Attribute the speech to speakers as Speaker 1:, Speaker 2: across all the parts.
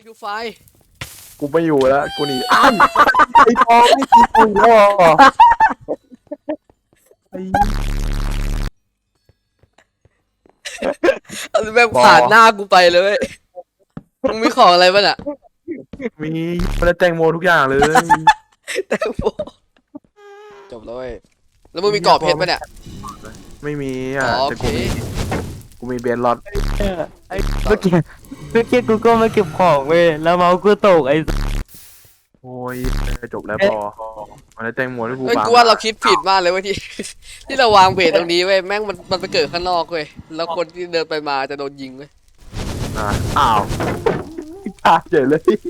Speaker 1: ดูไฟ
Speaker 2: กูไม่อยู่แล้วกูหนีอ้าวไอ้ปอไม่ตีกูหรอไอ้
Speaker 1: เอาแบบผ่านหน้ากูไปเลยมึงมีของอะไรบ้างอะ
Speaker 2: มีมันแตงโมทุกอย่างเลย
Speaker 1: แตงโมจบแล้วเว้ยแล้วมึงมีกรอบเพชรป่ะเนี่ย
Speaker 2: ไม่มี
Speaker 1: อ๋
Speaker 2: อ่ะ
Speaker 1: อโอ
Speaker 2: แต่
Speaker 1: เค
Speaker 2: กูมีเบนล็อต
Speaker 3: ไอ้เมื่อกี้กูก็มาเก็บของเว้ยแล้วเมาส์กูตกไอ้
Speaker 2: โอ้ยจบแล้วปอมันแตงโมที่กู
Speaker 1: เฮ้ย
Speaker 2: ฟัง
Speaker 1: กูว่าเราคิดผิดมากเลยเว้ยที่ ที่เราวางเบสตรงนี้เว้ยแม่งมันไปเกิดข้างนอกเว้ยแล้วคนที่เดินไปมาจะโดนยิงเว้ย
Speaker 2: อ่ะอ้าวตายเฉยเลย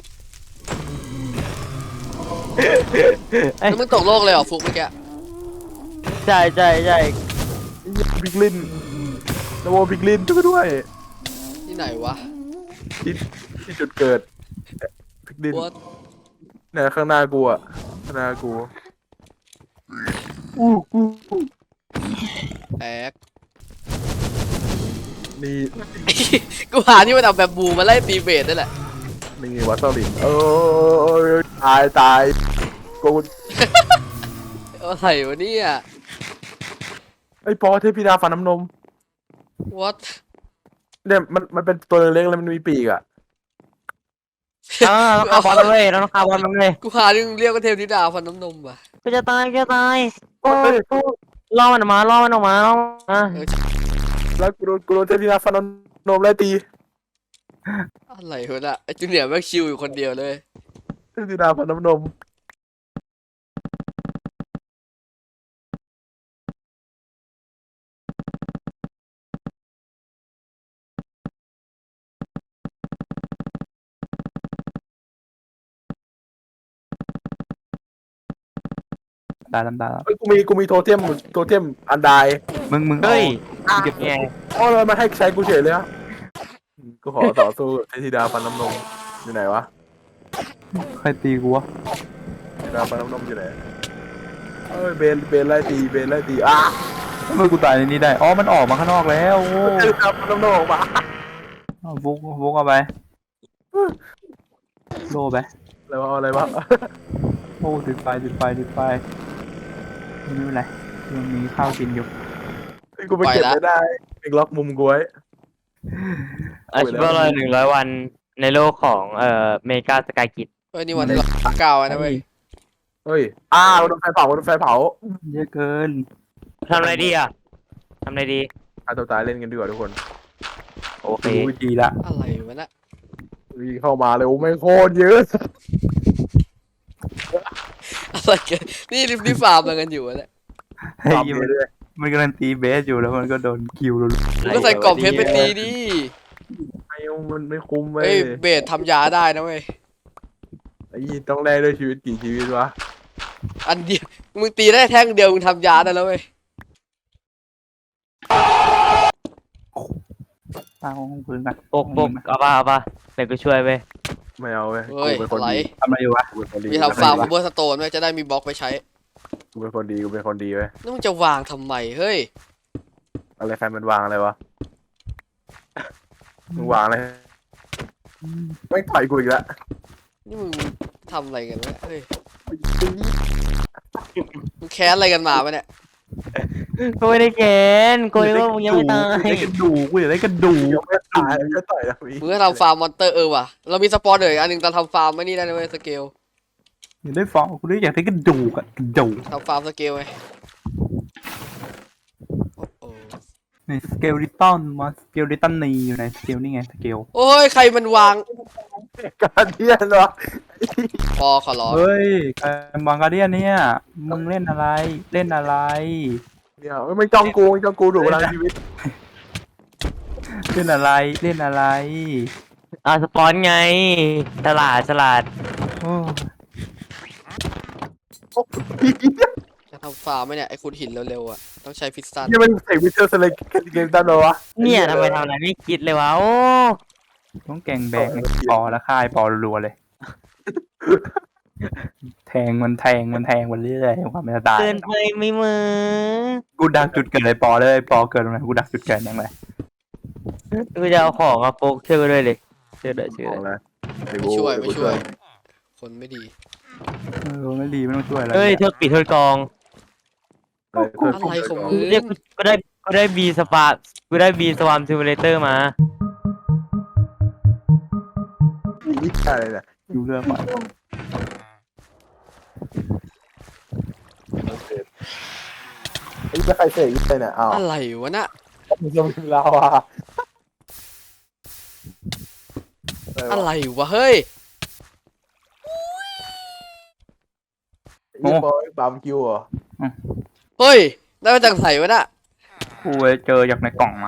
Speaker 1: แล้วมึงตกโลกเลยเหรอฟุกเมื่อกี้
Speaker 3: ใช่ใช่ใช่
Speaker 2: พิกลินนโมพิกลินช่วยด้วย
Speaker 1: ที่ไหนวะ
Speaker 2: ที่ที่จุดเกิดพิกลิน
Speaker 1: What?
Speaker 2: เนี่ยข้างหน้ากูอ่ะข้างหน้ากูอู้
Speaker 1: แอก
Speaker 2: นี่
Speaker 1: กูหาที่มันเอาแบบบูมาไล่ตีเบสนั่นแหละ
Speaker 2: นี่วัตเตอร์ลินตายกู
Speaker 1: อะไรวะเนี่ย
Speaker 2: ไอ้ปอเทพธิดาฟันน้ำนม
Speaker 1: What
Speaker 2: เนี่ยมันเป็นตัวเล็กๆแล้วมันมีปีกอ่ะ
Speaker 3: เราคาร์บอลเลยเราคาร์บอลมันเลย
Speaker 1: กูหาที่มึงเรียกว่าเทพธิดาฟันน้ำนมว่ะ
Speaker 3: กูจะตายกูจะตายโอ้ยล่อมันออกมาล่อมันออกมาล่อมันออกมา
Speaker 2: แล้วกูโดนเทพธิดาฟันน้ำนมไล่ตี
Speaker 1: อะไรวะน่ะไอจูเนียร์แม่งชิวอยู่คนเดียวเลย
Speaker 2: เทพธิดาฟันน้ำนม
Speaker 4: ตาดำตา
Speaker 2: เฮ้ยกูมีโทเทมอันใด
Speaker 4: มึง
Speaker 3: เฮ้ย
Speaker 4: เก็บ
Speaker 3: ไง
Speaker 2: อ๋อเลยมาให้ใช้กูเฉยเลยอ่ะกูขอต่อสู้เทพธิดาฟันน้ำนมอยู่ไหนวะ
Speaker 4: ใครตีกูวะ
Speaker 2: เทพธิดาฟันน้ำนมอยู่ไหนเอ้ยเบนไล่ตีอ่ะ
Speaker 4: ทำไมกูตายในนี้ได้อ๋อมันออกมาข้างนอกแล้วโอ้
Speaker 2: เทพธิดาฟันน้ำนมออกมา
Speaker 4: เอาบุกเอาไปโลไป
Speaker 2: อะไรวะ
Speaker 4: โอ้ติดไฟไม่เป็นไรยังมีข้าวกินอยู่
Speaker 2: กูไปเก็บไม่ได้เองล็อกมุมกูไว้
Speaker 3: อาชีพว่าเรา100 วันในโลกของเมกาสกายกิจ
Speaker 1: เฮ้ยนี่วันที่เราเก้าอะนะเว้ย
Speaker 2: เฮ้ยโดนไฟเผา
Speaker 4: เยอะเกิน
Speaker 3: ทำอะไรดีอ่ะทำอะไรดี
Speaker 2: ฆ่าตัวตายเล่นกันดีกว่าทุกคน
Speaker 3: โอเค
Speaker 4: รู้วิธีละ
Speaker 1: อะไรวะน่ะ
Speaker 2: วิ่งเข้ามาเลยโอ้ไม่งโคตรเยอะ
Speaker 1: อะไรกันนี่ฟาร์มอะไรกันอยู่วะเนี่ย
Speaker 4: เฮ้ย
Speaker 2: ตามไปเรื่อย
Speaker 4: มันกำลังตีเบสอยู่แล้วมันก็โดนคิวรัว
Speaker 1: มึงก็ใส่กล่องเพชรไปตีดิ
Speaker 2: ไม่มันไม่คุ้มเว้
Speaker 1: เฮ้
Speaker 2: ย
Speaker 1: ยเบสทำยาได้นะเว้ย
Speaker 2: ไอ้ยี่ต้องแลกด้วยชีวิตกี่ชีวิตวะ
Speaker 1: อันเดียวมึงตีได้แท่งเดียวมึงทำยาได้แล้วเว้ย
Speaker 4: ๆตั้งห้องพื้นกัน
Speaker 3: ปกเอาป่ะเดี๋ยวกูช่วยไป
Speaker 2: ไม่เอาเว้ย
Speaker 1: เฮ้ย
Speaker 2: กูเป็นคน
Speaker 1: อะไร
Speaker 2: ดี
Speaker 4: ทำอะไรอยู่วะ
Speaker 2: กูเป็นคนดี
Speaker 1: มีทำฟาร์มของเบอร์สโตนไว้จะได้มีบล็อกไปใช้
Speaker 2: กูเป็นคนดีเว้ย
Speaker 1: แล้วมึงจะวางทำไมเฮ้ย
Speaker 2: อะไรใครมันวางอะไรวะมึงวางอะไรไม่ต่อยกูอีกแล้ว
Speaker 1: นี่มึงทำอะไรกันวะเฮ้ยมึงแค้นอะไรกันมาปะเนี่ย
Speaker 3: กูไม่ได้แกนกูนึกว่ามึงยังไม่ตาย
Speaker 4: ได้กระดูกกูอยากได้กระดูก
Speaker 2: ยังไม่ตายก็ต่อยแล้วพี่
Speaker 1: มึงก็ทำฟาร์มมอนเตอร์ว่ะเรามีสปอนเนอร์อีกอันหนึ่งตอนทำฟาร์มไม่นี่ได้นะเว้ยสเกล
Speaker 4: อยากได้ฟองกูได้อยากได้กระดูกอะกระดูก
Speaker 1: ทำฟาร์มสเกลไงโอ้โห
Speaker 4: ในสเกลลิตันมาสเกลลิตันนีอยู่ในสเกลนี่ไงสเกล
Speaker 1: โอ้ยใครมันวาง
Speaker 2: การเทียนวะ
Speaker 1: พอขอร้อง
Speaker 4: เฮ้ยการบังการเดียนเนี่ยมึงเล่นอะไร เล่นอะไร
Speaker 2: เนี่ยไม่จ้องกูดูเวลาชีวิต
Speaker 4: เล่นอะไร เล่นอะไร
Speaker 3: สปอนไงฉลาด
Speaker 4: โอ้
Speaker 1: จะทำฟาร์มไหมเนี่ยไอ้ขุดหินเร็วๆอ่ะต้องใช้พิสตัน
Speaker 2: นี่มันเสกวิเทอร์สเลกเกมตันเหรอวะ
Speaker 3: เนี่ยทำไมทำอะไรไม่คิดเลยวะโอ้
Speaker 4: ต้องแกงแบกปอแล้วค่ายปอรัวๆเลย แทงมันไปเรื่อยๆความไม่ตาย
Speaker 3: เกินไปไม่มือ
Speaker 4: กูดักจุดเกิดเลยปอเลยปอเกิดตรงไหนกูดักจุดเกิดยังไง
Speaker 3: กูจะเอาของมาโฟกช่วยกูด้วยเลยช่วยด้วย
Speaker 2: ของแล้วเดี๋ยว
Speaker 1: ไม่
Speaker 2: กู
Speaker 1: ช่วย
Speaker 2: เดี๋
Speaker 1: ไม่
Speaker 2: กู
Speaker 1: ช่วย คนไม่ดี
Speaker 4: ไม่ดีไม่ต้องช่วยอะไร
Speaker 3: เฮ้ยเธอปิดเธอกอง
Speaker 2: เออเพื่อน
Speaker 1: อะไรของมึ
Speaker 3: เรียกก็ได้บีสปากูได้บีสวามซิมูเลเตอร์มา
Speaker 2: นี่อะไรเนี่ย
Speaker 4: อยู่เรื่องก่อน
Speaker 2: ไอ้จะใครเสกยี่เนี่ยอ้าว
Speaker 1: อะไรวะน่ะ
Speaker 2: มึงจะมีลาวา
Speaker 1: อะไรวะเฮ้ย
Speaker 2: ยี่บอยบาร์บีคิวเหรอ
Speaker 1: เฮ้ยได้มาจากไหนวะน่ะ
Speaker 4: กูไปเจอจากในกล่องมา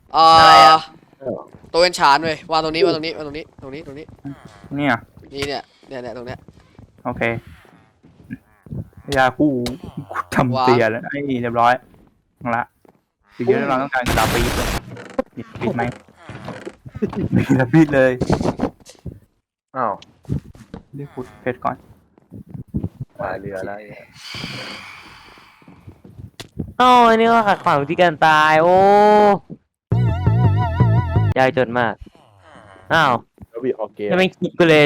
Speaker 1: ตัวเป็นฉานเว้ยวางตรงนี้วางตรงนี้วางตรงนี้ตรงนี้ตรงนี้
Speaker 4: เนี่ย
Speaker 1: นี่เนี่ยตรงเนี้ย
Speaker 4: โอเคยากูทำเตียแล้วไอ้เรียบร้อยเอาละสิ่งที่เราต้องการคือดาบปีดเลยปิดไหมปิดแล้วปิดเลย
Speaker 2: อ้าว
Speaker 4: เรียกขุดเพชรก่อน
Speaker 2: ตายเรือแล้ว
Speaker 3: อ๋ออันนี้ก็ขัดขวางวิธีการตาย โอ้ยากจนมาก อ้าว
Speaker 2: แล้วบีออกเกม
Speaker 3: ยังไม่คิดกูเลย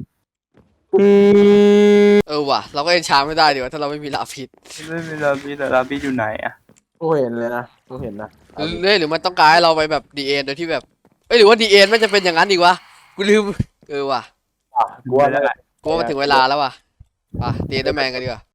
Speaker 1: ว่ะเราก็เอ็นชาไม่ได้ดีวะถ้าเราไม่มีลาพิษ
Speaker 4: ไม่มีดาบปีดแต่ดาบปีดอยู่ไหนอะ
Speaker 2: กูเห็นเลยนะกูเห็นนะ
Speaker 1: หรือมันต้องการให้เราไปแบบดีเอ็นโดยที่แบบหรือว่าดีเอ็นมันจะเป็นอย่างนั้นอีกวะกูลืมว่ะ
Speaker 2: กูว่าได้
Speaker 1: กูว่ามันถึงเวลาแล้วว่ะป่ะดีเอ็นแมนกันดีกว่า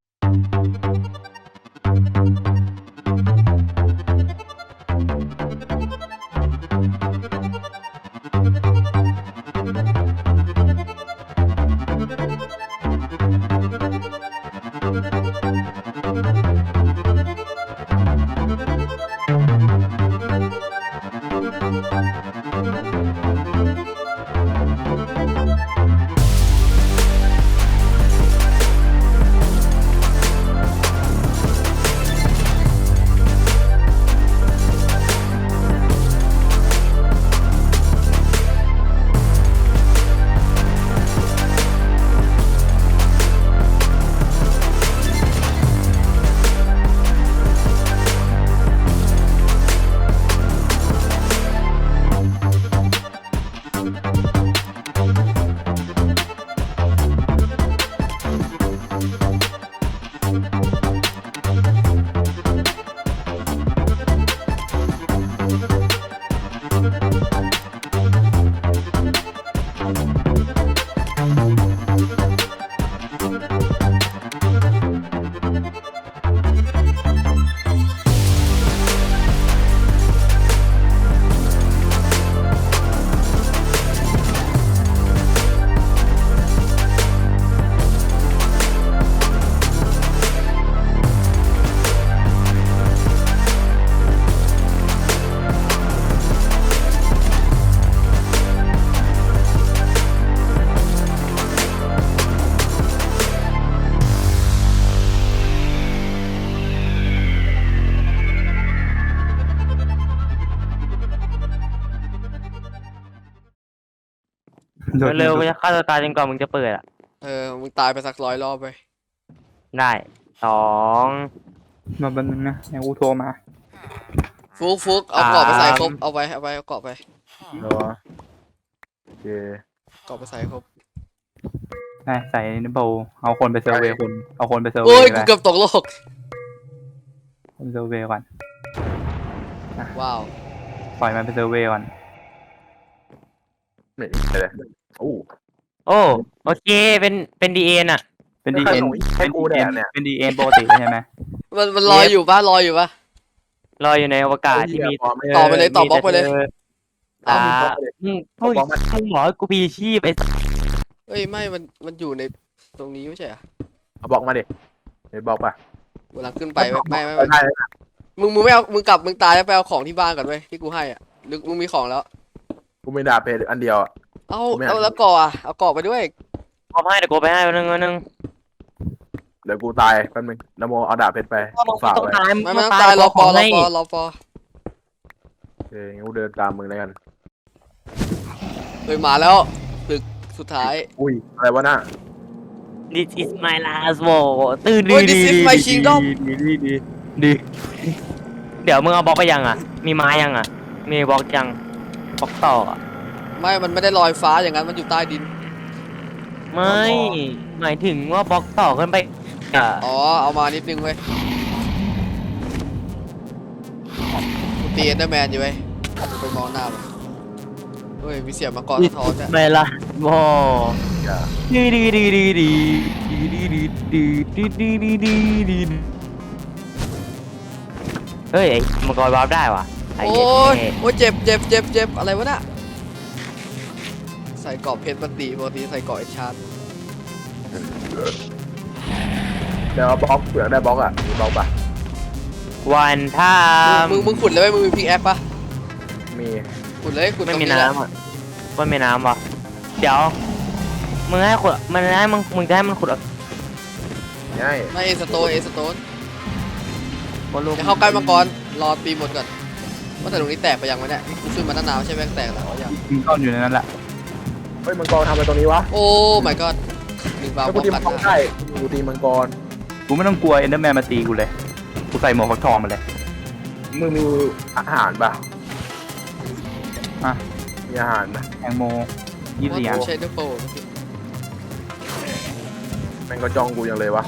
Speaker 3: เร็วๆกูจะฆ่าตัวตายจนกว่ามึงจะเปิดอ่ะ
Speaker 1: มึงตายไปสัก100 รอบไป
Speaker 3: ได้สอง
Speaker 4: มาแป๊บนึงนะไอ้กูโทรมา
Speaker 1: ฟุกเอากรอบไปใส่ครบเอากรอบไป
Speaker 2: เนาะโอเค
Speaker 1: กรอบไปใส่ครบ
Speaker 4: ได้ใส่ในโบว์เอาคนไปเซอร์เวย์คนเอาคนไปเซอร์เว
Speaker 1: โอ้ย
Speaker 4: ย์ไป
Speaker 1: กูเกือบตกโลก
Speaker 4: คนเซอร์เวย์ก่อน
Speaker 1: ว้าว
Speaker 4: ปล่อยมันไปเซอร์เวย์ก่อน
Speaker 2: ไม่เลยโอ้
Speaker 3: โอ้โอเคเป็นดีเอ็นอ่ะ
Speaker 4: เป็นดีเอ็น
Speaker 2: ให้กูแดกเนี่ย
Speaker 4: เป็นดีเอ็นปกติใช่ไหม
Speaker 1: มันลอยอยู่ปะ
Speaker 3: ลอยอยู่ในอวกาศที่มี
Speaker 1: ต่อไปเลยต่อบล็อกไปเลย
Speaker 3: อ่ามึงพูดมึงบอกให้กูมีชีพไอ้สัส
Speaker 1: เอ้ยไม่มันอยู่ในตรงนี้ไม่ใช่เหรอ
Speaker 2: เอาบอกมาดิเดี๋ยวบอกป่ะ
Speaker 1: เวลาขึ้นไปไม่
Speaker 2: ได้
Speaker 1: มึงไม่เอามึงกลับมึงตายแล้วไปเอาของที่บ้านก่อนเว้ยที่กูให้อ่ะหรือมึงมีของแล้ว
Speaker 2: กูไม่ด่าเพจอันเดียว
Speaker 1: เอาแล้วก่อเอาก่อไปด้วย
Speaker 3: เอาให้เดี๋ยวกูไปให้วันนึง
Speaker 2: เดี๋ยวกูตายแป๊บนึงนโมเอาดาบเพชรไปฝาก
Speaker 3: ต้อง
Speaker 2: ไว้
Speaker 3: ตาย
Speaker 1: ไม่ต้องตายรอปอ
Speaker 2: โอเคงั้นกูเดินตามมึงแล้วกัน
Speaker 1: เฮ้ยมาแล้วตึกสุดท้าย
Speaker 2: อุ้ยอะไรวะน่ะ
Speaker 3: This is my last war ตื่นดี
Speaker 1: โอ้ย This is my kingdom
Speaker 3: ดีเดี๋ยวมึงเอาบล็อกไปยังอ่ะ มีไม้ยังอ่ะ มีบล็อกยังบล็อกต่ออ่ะ
Speaker 1: ไม่มันไม่ได้ลอยฟ้าอย่างนั้นมันอยู่ใต้ดิน
Speaker 3: ไม่หมายถึงว่าบล็อกต่อขึ้นไปอ่ะ
Speaker 1: อ๋อเอามานิดนึงเว้ยกูตีเอนเดอร์แมนอยู่เว้ยกูไปมองหน้ามันเฮ้ยมีเสียงมังกรสะท้อนจ้ะ
Speaker 3: ไม่ละโว้
Speaker 2: อย่า
Speaker 3: ดีดีดีดีดีดีดีดีดีดีดีดีดีเฮ้ยไอ้มังกรวาร์ปได้ว่ะไอ้
Speaker 1: โอ้
Speaker 3: เหี้
Speaker 1: ยโอ้ยเจ็บเจ็บเจ็บเจ็บอะไรวะน่ะใส่เกรอบเพชรปกติใส่เกรอบเอชาร์ด
Speaker 2: เดี๋ยวบล็อกเปลือกได้บล็อกอ่ะมีบล็อกปะ
Speaker 3: วันท่า
Speaker 1: มึงขุดเลยไหมมึงมีพิกแอคปะ
Speaker 2: มี
Speaker 1: ขุดเลยขุดต
Speaker 3: ไม่
Speaker 1: รง
Speaker 3: มี
Speaker 1: นี้แหละ
Speaker 3: น้ำอ่ะไม่มีน้ำว่ะเดี๋ยวมึงให้ขุดมันให้มึงจะให้มันขุด
Speaker 2: ง่าย
Speaker 1: ไม่เอสโตนเอสโตน
Speaker 3: บอลลูน
Speaker 1: จะเข้าใกล้มังกรรอตีหมดก่อนว่าแต่ตรงนี้แตกไปยังวะเนี่ยกูขึ้นมาตั้งนานไม่ใช่แม่งแตกแล้วยัง
Speaker 4: มึงก้อนอยู่ในนั้นแหละ
Speaker 2: เฮ้ยมังกรทำอะไรตรงนี้วะ
Speaker 1: โอ้ my god หนึ่งบา
Speaker 2: ถ้า
Speaker 1: บ
Speaker 2: กู
Speaker 1: อก
Speaker 2: ตี
Speaker 1: กั
Speaker 2: มัน งกร
Speaker 1: นะ
Speaker 2: ได้กูตีมังกร
Speaker 4: กูไม่ต้องกลัวเอนเดอร์แมนมาตีกูเลยกูใส่หมวกฟักทองมาเลย
Speaker 2: มึงมีอาหารปะ
Speaker 4: อ่ะ
Speaker 2: มีอาหารนะ
Speaker 4: แตงโม24อัน
Speaker 1: ใช้เดอร์โฟ
Speaker 2: แม่งก็จ้องกูยังเลยวะ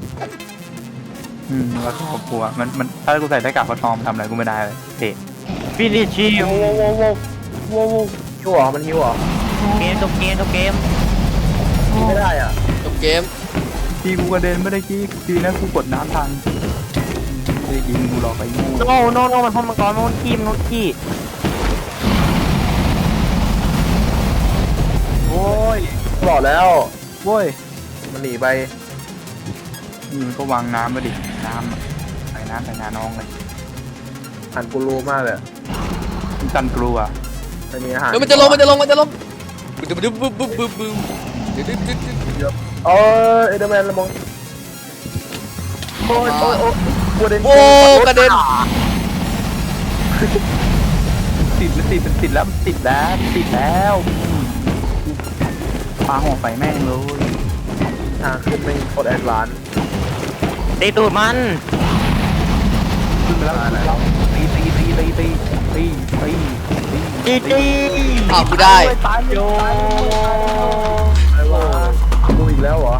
Speaker 4: แล้วก็กลัวมันถ้ากูใส่หน้ากากฟักทองทำอะไรกูไม่ได้เลยเตะ
Speaker 3: ฟินิชชิว
Speaker 2: หิวเหรอมันหิวเหรอ
Speaker 3: เกมจบเกมจบเกม
Speaker 2: กินไม่ได้อ่ะ
Speaker 1: จบเกม
Speaker 4: ทีกูกระเด็นไม่ได้กี้ทีนะกูกดน้ำทันไม่ได้ยิงกูหรอกไอ้งู
Speaker 3: โนมันพ่นมังกรมันขี้มันขี้
Speaker 4: โอ้ย
Speaker 2: บอกแล้ว
Speaker 4: โว้ย
Speaker 2: มันหนีไป
Speaker 4: นี่มันก็วางน้ำมาดิน้ำอะใส่น้ำใส่นาน้องเลย
Speaker 2: หันกูรู้มากเลย
Speaker 4: มึงกันกลัว
Speaker 2: ไม่มีอาหาร
Speaker 1: เฮ้ยมันจะลงบึ้มบึ้มบึ้มบึ้มบึ้มบึ้มเดี๋ยว
Speaker 2: เออเอเดอร์แมนละมองโอ้ยโอ้ยโอ้ยกระเด็น
Speaker 1: โอ้กระเด็น
Speaker 4: มันติดแล้วปาหัวไฟแม่งเลย
Speaker 2: ทางขึ้นไม่โคตรแอดวานซ์
Speaker 3: ตีตูดมัน
Speaker 4: ขึ้นไปแล้วตี
Speaker 1: อ้าวกูได้
Speaker 4: ตายโย
Speaker 2: อะไรวะกูอีกแล้วเหรอ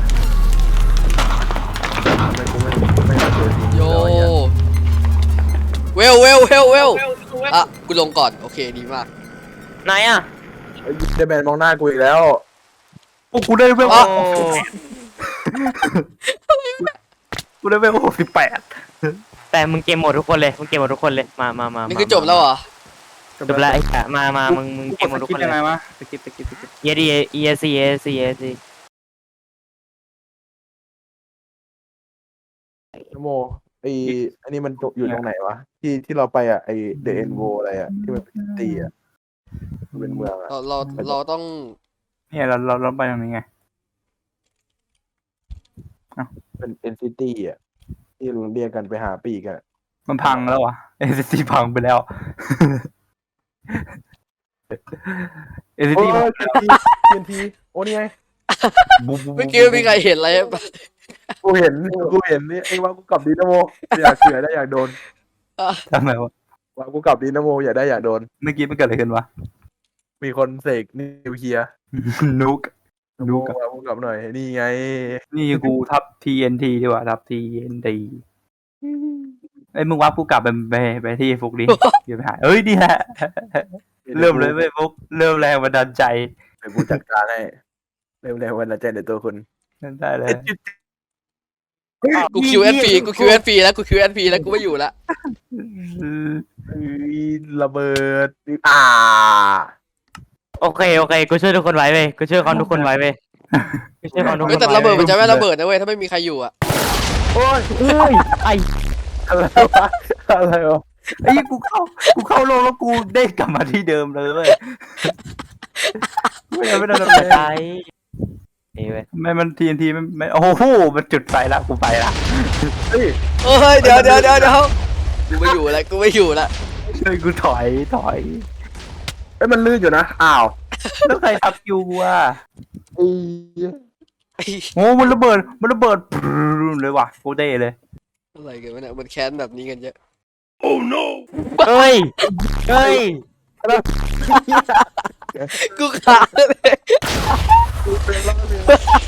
Speaker 2: ทำไมกูไม่ได้เจอทีม
Speaker 1: โย
Speaker 2: แล้วเนี่ย
Speaker 1: เวลอ่ะกูลงก่อนโอเคดีมาก
Speaker 3: ไหนอ่ะ
Speaker 2: เดอร์แมนมองหน้ากูอีกแล้ว
Speaker 4: โอ้กูได้เวล
Speaker 1: อ๋อ
Speaker 4: กูได้เวล68
Speaker 3: แต่มึงเกมหมดทุกคนเลยมึงเกมหมดทุกคนเลยมา
Speaker 1: นี่คือจบแล้วเหรอ
Speaker 3: จบแล้วไอ้กะมามึงเกมหมดทุกคน
Speaker 4: ยัง
Speaker 3: เล
Speaker 4: ไง
Speaker 3: ยว
Speaker 4: ะสกิป
Speaker 3: เยดีเอซี
Speaker 2: นโมอันนี้มันอยู่ตรงไหนวะที่เราไปอ่ะไอเดอะเอ็นโวอะไรอ่ะที่มันเป็นตีอ่ะมันเป็นเมืองอ่ะ
Speaker 1: เราต้อง
Speaker 4: เนี่ยเราไปตรงนี้ไง
Speaker 2: เป็นเอ็นซิตี้อ่ะที่เราเรียกกันไปหาปีกอ่ะ
Speaker 4: มันพังแล้ววะเอสซีพังไปแล้วเอส
Speaker 2: โอ้
Speaker 4: ซี
Speaker 2: ย
Speaker 4: พัง
Speaker 2: ทีโอ้นี่ไง
Speaker 1: เมื่อกี้มีใครเห็นอะไรปะ
Speaker 2: กูเห็นนี่ไอ้ว่ากูกลับดีนะโมอยากเสือได้อยากโดน
Speaker 4: ทำไมวะ
Speaker 2: ว่ากูกลับดีนะโมอยากได้อยากโดน
Speaker 4: เมื่อกี้มันเกิดอะไรขึ้นวะ
Speaker 2: มีคนเสกนิวเคลียร์
Speaker 4: นุก
Speaker 2: โมว่ากูกลับหน่อยนี่ไง
Speaker 4: นี่กูทับ TNT ดีกว่าทับ TNT ไอ้ยมึงว่ากูกลับไปที่ฟุกดิเดี๋ยวไปหาเอ้ยดีแหละเริ่มเลยเว้ยฟุกเริ่มแรงบันดาลใจ
Speaker 2: เดี๋ยวกูจัดการให้เร็วๆวันละใจในตัวคุณ
Speaker 4: ได้เลย
Speaker 1: กู QSP แล้วกู QSP แล้วกูไม่อยู่ละ
Speaker 2: ระเบิด
Speaker 3: โอเคกูช่วยทุกคนไว้เว้ยกูช่วยคอนทุกคนไว้เว้ยกูช่วยคอนทุกค
Speaker 1: เฮ้ย
Speaker 3: น
Speaker 1: แต่
Speaker 3: ไว้
Speaker 1: ระเบิดมันจะไม่ระเบิดนะเว้ยถ้าไม่มีใครอยู่อ่ะ
Speaker 2: โอ้ย
Speaker 3: เฮ้ยไอ้
Speaker 2: อะไรวะ
Speaker 4: ไอ้ยกูเข้าโลกแล้วกูได้กลับมาที่เดิมเลยเว้ยไม่ได้ทำอะไร
Speaker 3: ตายนี่เว้ย
Speaker 4: ไม่มัน TNT ไม่โอ้โหมันจุดไฟละกูไปละ
Speaker 2: เฮ้ย
Speaker 1: เฮ้ยเดี๋ยวกูไม่อยู่ละ
Speaker 4: เฮ้ยกูถอย
Speaker 2: เอ้ยมันลื่นอยู่นะอ้าว
Speaker 4: แล้วใครทับยูอ่ะ
Speaker 2: อี
Speaker 4: โอ้มันระเบิดเลยว่ะกูเด้เลย
Speaker 1: อะไรกันวะเนี่ยมันแค้นแบบนี้กันเยอะ
Speaker 3: เฮ้ย
Speaker 1: กูขาดเลย
Speaker 2: กูเป็นล่าเรือ